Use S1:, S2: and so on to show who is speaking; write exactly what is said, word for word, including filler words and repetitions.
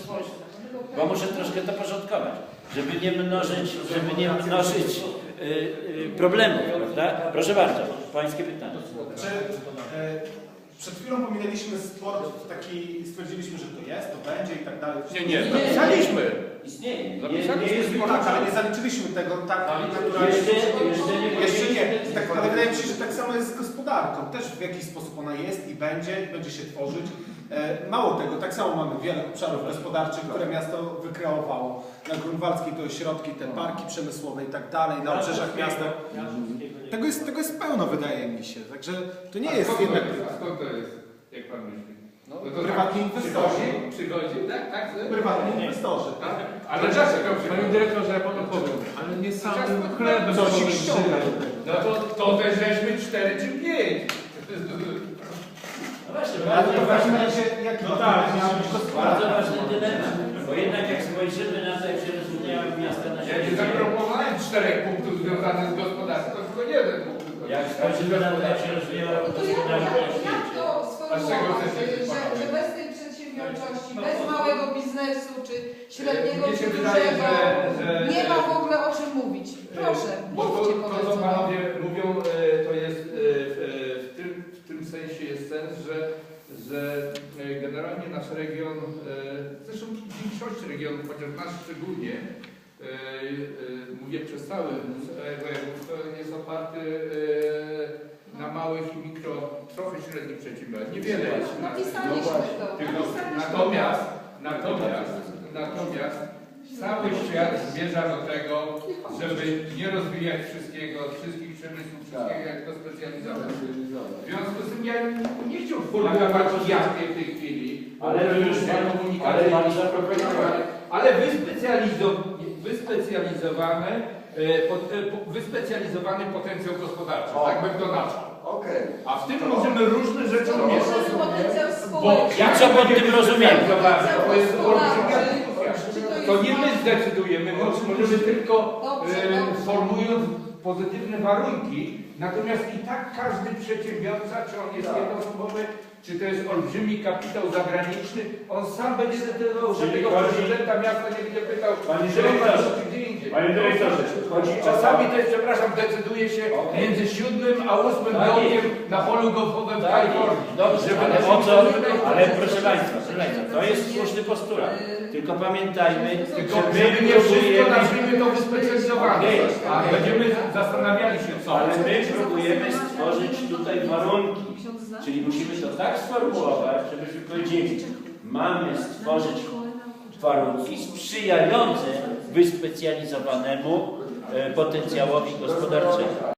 S1: Bo muszę troszkę to porządkować, żeby nie mnożyć, żeby nie mnożyć y, y, problemów, prawda? Proszę bardzo, pańskie pytanie.
S2: Czy, e, przed chwilą pominęliśmy sport taki, stwierdziliśmy, że to jest, to będzie i tak dalej.
S3: Nie, nie, zapisaliśmy.
S1: Istnieje.
S3: Zapisaliśmy sport.
S2: Tak, ale nie zaliczyliśmy tego tak naturalnie.
S1: Jeszcze, jeszcze nie
S2: Jeszcze nie.
S1: powiedzieliśmy.
S2: Tak, ale wydaje mi się, że tak samo jest z gospodarką. Też w jakiś sposób ona jest i będzie, i będzie się tworzyć. E, Mało tego, tak samo mamy wiele obszarów gospodarczych, które miasto wykreowało. Na Grunwaldzkiej to ośrodki, te parki przemysłowe i tak dalej, na obrzeżach miasta. Tego jest, tego jest pełno, wydaje mi się. Także to nie jest
S3: skąd
S2: jednak...
S3: to jest? A skąd to jest? Jak pan myśli?
S2: No,
S3: to
S2: prywatni
S3: tak
S2: inwestorzy.
S3: Przychodzi, przychodzi, tak, tak.
S2: Prywatni inwestorzy, tak?
S3: Ale dlaczego
S4: Panie
S3: przychodzi?
S4: dyrektorze, ja panu powiem, ale nie samym chlebem
S2: Co ci
S4: człowiek
S2: ściąga?
S4: żyje.
S3: No to, to też żeśmy cztery czy pięć.
S1: No właśnie,
S2: Ale to w
S1: bardzo
S2: takim
S1: ważny,
S2: razie jaki
S4: No tak,
S2: miała być
S1: bardzo
S2: gospodarka?
S1: ważny dylemat, bo jednak jak spojrzymy na to, jak się rozwinęły miasta na
S3: Ja nie
S1: świecie,
S3: zaproponowałem czterech punktów związanych z gospodarką, to tylko jeden punkt.
S1: jak spojrzymy na to, jak się rozwijała
S5: No to jak,
S1: gospodarka na
S5: jak, jak
S1: świecie.
S5: to
S3: A z czego
S5: sformułować,
S3: chcecie
S5: że,
S3: panowie?
S5: że bez tej przedsiębiorczości, bez małego biznesu, czy średniego,
S3: Mnie
S5: czy
S3: się wydaje,
S5: dużego,
S3: że- że-
S5: nie ma w ogóle o czym mówić. Proszę,
S3: Bo to,
S5: mówcie
S3: to co
S5: powiedzmy.
S3: panowie mówią, e, to jest e, w, w, tym, w tym sensie jest sens, że, że e, generalnie nasz region, e, zresztą w większości regionów, chociaż nasz szczególnie, e, e, mówię przez cały województwo, jest oparty e, na małych i mikro, trochę średnich przedsiębiorstw. Niewiele jest. na-
S5: Napisaliśmy to.
S3: Tylko,
S5: Napisaliśmy
S3: natomiast, natomiast, natomiast cały świat zmierza do tego, żeby nie rozwijać wszystkiego, wszystkich przemysłów, wszystkiego, jak to specjalizować. W związku z tym ja nie chciałbym formułować jasnie w tej chwili,
S1: Ale już pan, ale
S3: komunikacji,
S1: pan zaproponował.
S3: ale wyspecjalizo- wyspecjalizowane, e, pot, e, po- wyspecjalizowany potencjał gospodarczy, tak bym to nazwał.
S6: Okej.
S3: A w tym możemy różne rzeczy
S5: To
S3: umieszczać.
S5: może potencjał
S3: Bo
S5: społeczny.
S1: Ja co pod tym rozumiem?
S3: To jest olbrzymia
S5: Czy
S3: dyskusja.
S5: to jest
S3: To nie my
S5: małe-
S3: zdecydujemy, mo- możemy tylko
S5: Dobrze,
S3: e,
S5: dobrze.
S3: formując pozytywne warunki, natomiast i tak każdy przedsiębiorca, czy on jest jednoosobowy, czy to jest olbrzymi kapitał zagraniczny, on sam będzie decydował, że
S1: Czyli
S3: tego
S1: chodzi-
S3: prezydenta miasta nie będzie pytał,
S1: Panie
S3: że on
S1: dyrektorze,
S3: ma gdzie indziej.
S1: Panie dyrektorze, chodzi o...
S3: Czasami też, przepraszam, decyduje się
S1: Okej.
S3: między siódmym a ósmym
S1: Tak
S3: dołkiem
S1: jest.
S3: na polu golfowym w
S1: Tak,
S3: Kalifornii.
S1: dobrze,
S3: Żeby
S1: ale
S3: nas
S1: o co,
S3: nie-
S1: ale proszę Państwa, proszę Państwa, to jest słuszny postulat. Tylko pamiętajmy,
S3: Tylko
S1: że my
S3: żeby nie wszystko
S1: próbujemy,
S3: nazwijmy to wyspecjalizowane.
S1: Okej.
S3: A będziemy zastanawiali się co.
S1: ale my próbujemy stworzyć tutaj warunki. Czyli musimy to tak sformułować, żebyśmy powiedzieli, mamy stworzyć warunki sprzyjające wyspecjalizowanemu e, potencjałowi gospodarczemu.